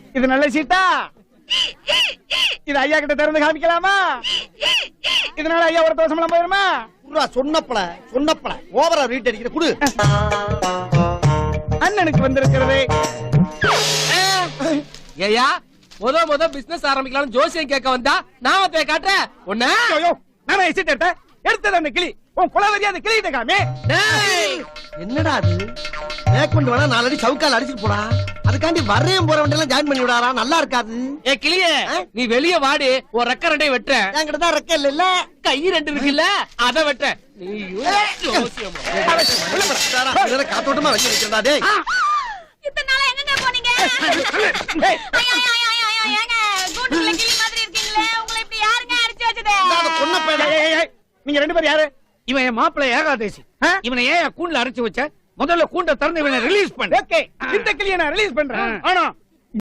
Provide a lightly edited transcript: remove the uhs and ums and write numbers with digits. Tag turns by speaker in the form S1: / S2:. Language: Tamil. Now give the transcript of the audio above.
S1: இது நல்ல சீட்டா? இது ஐயா கிட்ட திறந்து காமிக்கலாமா? இதனால ஐயா ஒரு தோசமெல்லாம் போயிருமா?
S2: சொன்னப்பல ஓவரா ரீட் அடிக்கிற குடு.
S1: அண்ணனுக்கு வந்திருக்கிறது.
S3: ஏயா முத பிசினஸ் ஆரம்பிக்கலாம் ஜோசியம் கேட்க வந்தா நான் போய் காட்டுறேன் உன்ன.
S1: நானே சீட் எடுத்தது அந்த கிளி. உன் குலவரியா அந்த கிளிகிட்ட காமி.
S2: என்னடா அது? மேற்கொண்டு வேணா 4 அடி சவுக்கால் அடிச்சுட்டு போடா. அதுக்காண்டி வரையும் போற வண்டியெல்லாம் ஜாயின் பண்ணி விடாரா? நல்லா இருக்காது.
S3: ஏ கிளியே, நீ வெளிய வாடி. ஒரு ரெக்க ரெண்டையும் வெட்டுற.
S2: என்கிட்ட தான் ரெக்க இல்ல.
S3: கை 2 இருக்குல்ல, அத வெட்ட. நீ ஜோசியமா
S2: காத்தோட்டமா வச்சு வைக்கிறதா? டேய்
S4: இத்தனை நாளா எங்கங்க போனீங்க? ஏங்க கூண்டுக்குள்ள கிளி மாதிரி இருக்கீங்களே, உங்களை இப்படி யாருங்க அடிச்சு வச்சது?
S1: நீங்க 2 பேரும் யாரு?
S5: இவன் என் மாப்பிள்ளை ஏகாதேசி. இவனை ஏன் கூண்டுல அரைச்சு வச்ச? முதல்ல கூண்ட திறந்து இவனை ரிலீஸ் பண்ணு.
S1: ஓகே, இந்த கிளியை நான் ரிலீஸ் பண்றேன். ஆனா